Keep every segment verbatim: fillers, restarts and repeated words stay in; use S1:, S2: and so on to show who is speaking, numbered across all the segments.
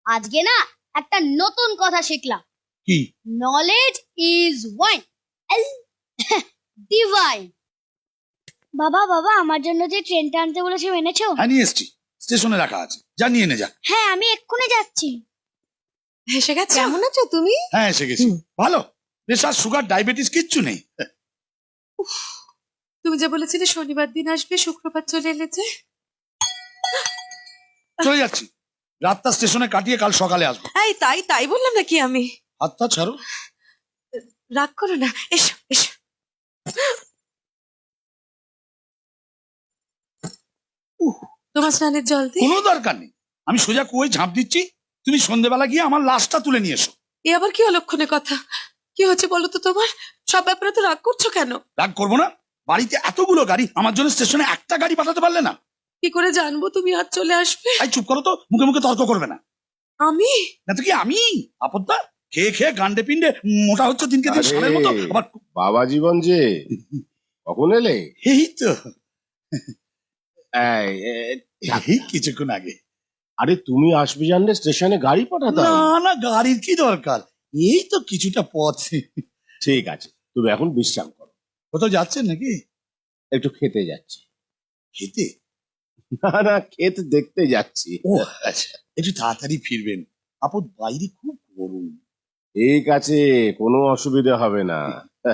S1: আজকে না একটা নতুন কথা শিখলাম।
S2: কি?
S1: Knowledge is wine, divine. বাবা বাবা আমার জন্য যে ট্রেনটা আনতে বলেছে এনেছো?
S2: হ্যাঁ নিয়ে এসছি, স্টেশনে রাখা আছে, যা নিয়ে নে যা।
S1: হ্যাঁ আমি এক্ষুনি যাচ্ছি।
S3: এসে গেছে। কেমন আছো তুমি?
S2: হ্যাঁ এসে গেছি, ভালো। প্রেশার, সুগার, ডায়াবেটিস কিচ্ছু নেই।
S3: তুমি যে বলেছিলে শনিবার দিন আসবে, শুক্রবার চলে এলে যে।
S2: চলে যাচ্ছি, রাতটা স্টেশনে কাটিয়ে কাল সকালে আসবো।
S3: এই তাই তাই বললাম নাকি আমি?
S2: হাতটা ছাড়ো।
S3: রাগ করো না, এসো এসো। তোমার স্নানের জল দি।
S2: কোনো দরকার নেই, আমি সোজা কুয়োয় ঝাঁপ দিচ্ছি, তুমি সন্ধ্যেবেলা গিয়ে আমার লাশটা তুলে নিয়ে এসো।
S3: এ আবার কি অলক্ষণে কথা? কি হচ্ছে বলো তো তোমার? সব ব্যাপারে তো রাগ করছো কেন?
S2: রাগ করবো না, বাড়িতে এতগুলো গাড়ি, আমার জন্য স্টেশনে একটা গাড়ি পাঠাতে পারলে না?
S3: কি করে জানবো তুমি আজ চলে আসবে?
S2: এই চুপ করো তো, মুখে মুখে তর্ক করবে না।
S3: আমি
S2: না তো কি আমি? আপদটা খেয়ে খেয়ে গান্ডে পিন্ডে মোটা হচ্ছে দিনকে দিন, সালের মতো। আবার
S4: বাবা জীবন যে কখন এলে?
S2: এই তো
S4: এই, এ,
S2: এই কিছুক্ষণ আগে।
S4: আরে তুমি আসবে জানলে স্টেশনে গাড়ি পাঠাতাম।
S2: না না, গাড়ির কি দরকার, এই তো কিছুটা পথ।
S4: ঠিক আছে, তুমি এখন বিশ্রাম করো।
S2: কোথাও যাচ্ছেন নাকি?
S4: একটু খেতে যাচ্ছি।
S2: খেতে?
S4: না না, খেতে দেখতে যাচ্ছি।
S2: ও আচ্ছা, একটু তাড়াতাড়ি ফিরবেন, আপদ বাইরে খুব গরম।
S4: ঠিক আছে, কোনো অসুবিধা হবে না।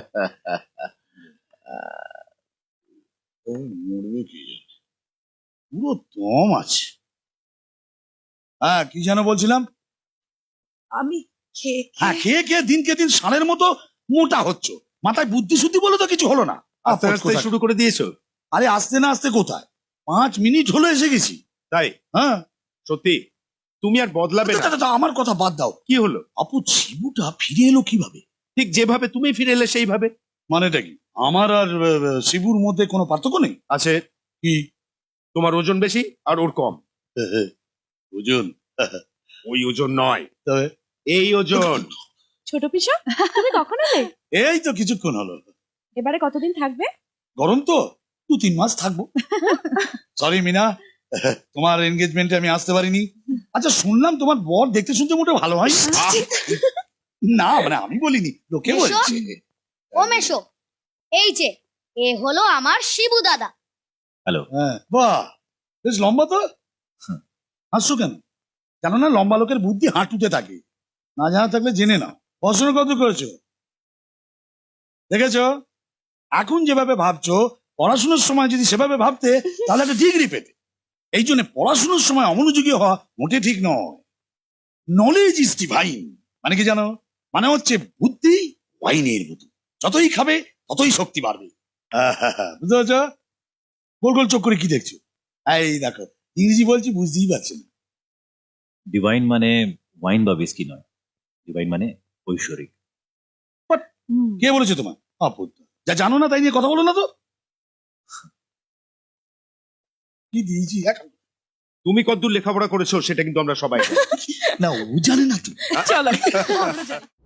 S2: ও মরবে কি জানে, পুরো দম আছে। হ্যাঁ কি যেন বলছিলাম?
S3: আমি খেয়ে
S2: হ্যাঁ খেয়ে খেয়ে দিনকে দিন সালের মতো মোটা হচ্ছে, মাথায় বুদ্ধি শুদ্ধি বলে তো কিছু হলো না।
S5: আস্তে আস্তে শুরু করে দিয়েছো?
S2: আরে আসতে না আসতে কোথায়, পাঁচ মিনিট হলো এসে গেছি।
S5: তাই?
S2: হ্যাঁ
S5: সত্যি তুমি আর বদলাবে না?
S2: তা, তা, তা, আমার কথা বাদ দাও,
S5: কি হলো?
S2: আপু শিবুটা ফিরে এলো কিভাবে?
S5: ঠিক যেভাবে তুমি ফিরে এলে সেইভাবে।
S2: মানেটা কি, আমার আর আহ, শিবুর মধ্যে কোনো পার্থক্য নেই?
S5: আছে।
S2: কি?
S5: তোমার ওজন বেশি আর ওর কম।
S2: ওজন?
S5: ওই ওজন নয়,
S2: তবে
S5: এই ওজন।
S3: ছোট পিসা, তুমি কখন এলে?
S2: এই তো কিছুক্ষণ হলো।
S3: এবারে কতদিন থাকবে?
S2: গরম তো, দু তিন মাস থাকবো। সরি মিনা, তোমার এনগেজমেন্টে আমি আসতে পারিনি। আচ্ছা শুনলাম তোমার বর দেখতে শুনতে মোটে ভালো হয় না, মানে আমি বলিনি, লোকে
S1: মেশো?
S2: বলছে।
S1: ও মেশো, এই যে এ হলো আমার শিবু দাদা।
S2: হ্যাঁ বাহ, বেশ লম্বা তো। হাসছো কেন? জানো না লম্বা লোকের বুদ্ধি হাঁটুতে থাকে, না জানা থাকলে জেনে নাও। পড়াশোনা কত করেছো দেখেছো? এখন যেভাবে ভাবছো, পড়াশোনার সময় যদি সেভাবে ভাবতে তাহলে একটা ডিগ্রি পেতে। এই জন্য পড়াশোনার সময় অমনোযোগী হওয়া মোটে ঠিক নয়। নলেজ ইজ ডিভাইন মানে কি জানো? মানে হচ্ছে বুদ্ধি ওয়াইনের মতো, যতই খাবে ততই শক্তি বাড়বে। আহা, বুঝতে পারছো? গোল গোল চোখ করে কি দেখছো? এই দেখো, ইংরেজি বলছি বুঝতেই পারছি না।
S6: ডিভাইন মানে ওয়াইন বা বিস্কি নয়, ডিভাইন মানে ঐশ্বরিক।
S2: কে বলেছে তোমার? আপদ, যা জানো না তাই নিয়ে কথা বলো না তো। কি দিয়েছি এখন?
S5: তুমি কতদূর লেখাপড়া করেছো সেটা কিন্তু আমরা সবাই জানি।
S2: না ও জানে না তো।
S3: চলো আমরা যাই।